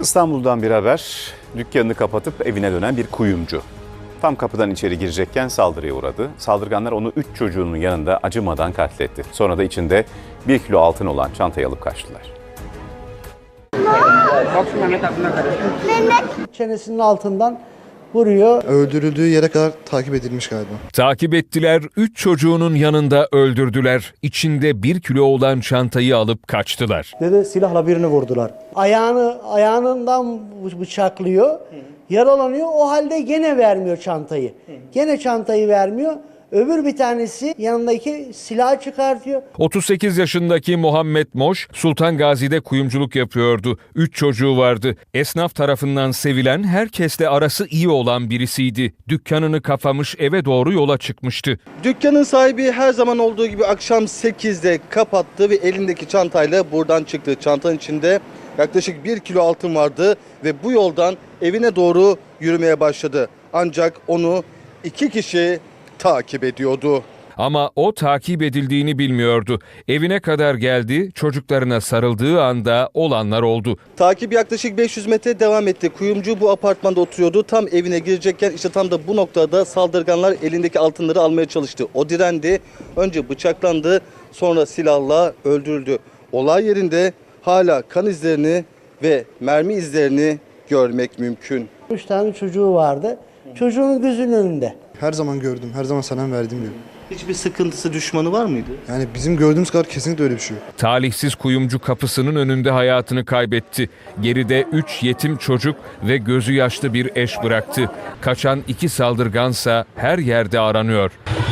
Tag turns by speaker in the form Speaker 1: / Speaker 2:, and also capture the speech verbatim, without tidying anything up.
Speaker 1: İstanbul'dan bir haber, dükkanını kapatıp evine dönen bir kuyumcu. Tam kapıdan içeri girecekken saldırıya uğradı. Saldırganlar onu üç çocuğunun yanında acımadan katletti. Sonra da içinde bir kilo altın olan çantayı alıp kaçtılar.
Speaker 2: Çenesinin altından vuruyor.
Speaker 3: Öldürüldüğü yere kadar takip edilmiş galiba.
Speaker 4: Takip ettiler, üç çocuğunun yanında öldürdüler. İçinde bir kilo olan çantayı alıp kaçtılar.
Speaker 2: Dedi silahla birini vurdular. Ayağını ayağından bıçaklıyor. Yaralanıyor. O halde gene vermiyor çantayı. Gene çantayı vermiyor. Öbür bir tanesi yanındaki silahı çıkartıyor.
Speaker 4: otuz sekiz yaşındaki Muhammed Moş, Sultan Gazi'de kuyumculuk yapıyordu. Üç çocuğu vardı. Esnaf tarafından sevilen, herkesle arası iyi olan birisiydi. Dükkanını kapamış, eve doğru yola çıkmıştı.
Speaker 5: Dükkanın sahibi her zaman olduğu gibi akşam sekizde kapattı ve elindeki çantayla buradan çıktı. Çantanın içinde yaklaşık bir kilo altın vardı ve bu yoldan evine doğru yürümeye başladı. Ancak onu iki kişi takip ediyordu.
Speaker 4: Ama o takip edildiğini bilmiyordu. Evine kadar geldi, çocuklarına sarıldığı anda olanlar oldu.
Speaker 5: Takip yaklaşık beş yüz metre devam etti. Kuyumcu bu apartmanda oturuyordu. Tam evine girecekken işte tam da bu noktada saldırganlar elindeki altınları almaya çalıştı. O direndi. Önce bıçaklandı, sonra silahla öldürüldü. Olay yerinde hala kan izlerini ve mermi izlerini görmek mümkün.
Speaker 2: Üç tane çocuğu vardı. Çocuğun gözünün önünde.
Speaker 3: Her zaman gördüm, her zaman selam verdim diyor.
Speaker 5: Hiçbir sıkıntısı, düşmanı var mıydı?
Speaker 3: Yani bizim gördüğümüz kadar kesinlikle öyle bir şey yok.
Speaker 4: Talihsiz kuyumcu kapısının önünde hayatını kaybetti. Geride üç yetim çocuk ve gözü yaşlı bir eş bıraktı. Kaçan iki saldırgansa her yerde aranıyor.